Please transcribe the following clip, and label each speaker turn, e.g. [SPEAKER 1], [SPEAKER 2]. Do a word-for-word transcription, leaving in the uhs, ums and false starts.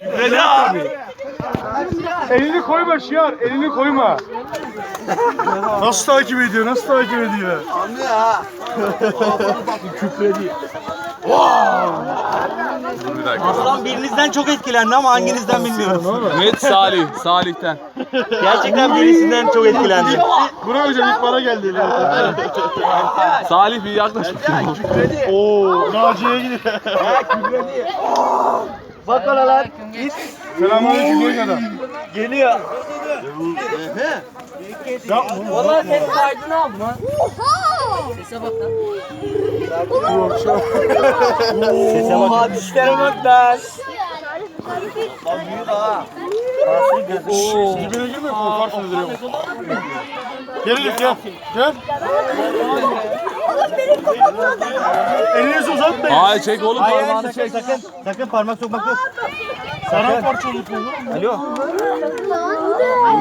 [SPEAKER 1] Kükredi abi.
[SPEAKER 2] Elini koyma Şiar, elini koyma. Nasıl takip ediyor, nasıl takip ediyor?
[SPEAKER 3] Anlıyor ha.
[SPEAKER 2] Kükredi.
[SPEAKER 3] Aslan birinizden çok etkilendi ama hanginizden bilmiyoruz.
[SPEAKER 1] Net Salih, Salih'ten.
[SPEAKER 3] Gerçekten birisinden çok etkilendi.
[SPEAKER 2] Burak hocam ilk bana geldi.
[SPEAKER 1] Salih bir yaklaş.
[SPEAKER 2] Oo, Naciye'ye gidiyor.
[SPEAKER 3] Bak ona lan.
[SPEAKER 2] Selamünaleyküm Gökada.
[SPEAKER 3] Geliyor.
[SPEAKER 4] Valla ses kaydını aldım ha. Sese bak lan.
[SPEAKER 3] Sese bak. Oha dişlere bak lan. Lan büyük ha. Nasıl gözü?
[SPEAKER 2] Dibine girme, korkarsın duruyor. Gel Elif gel. Gel. Elinizi uzatmayın.
[SPEAKER 1] Ay çek oğlum
[SPEAKER 3] Hayır
[SPEAKER 1] parmağını
[SPEAKER 3] sakın
[SPEAKER 1] çek.
[SPEAKER 3] sakın. Sakın parmak sokmak yok.
[SPEAKER 2] Sana parça olur mu?
[SPEAKER 3] Alo.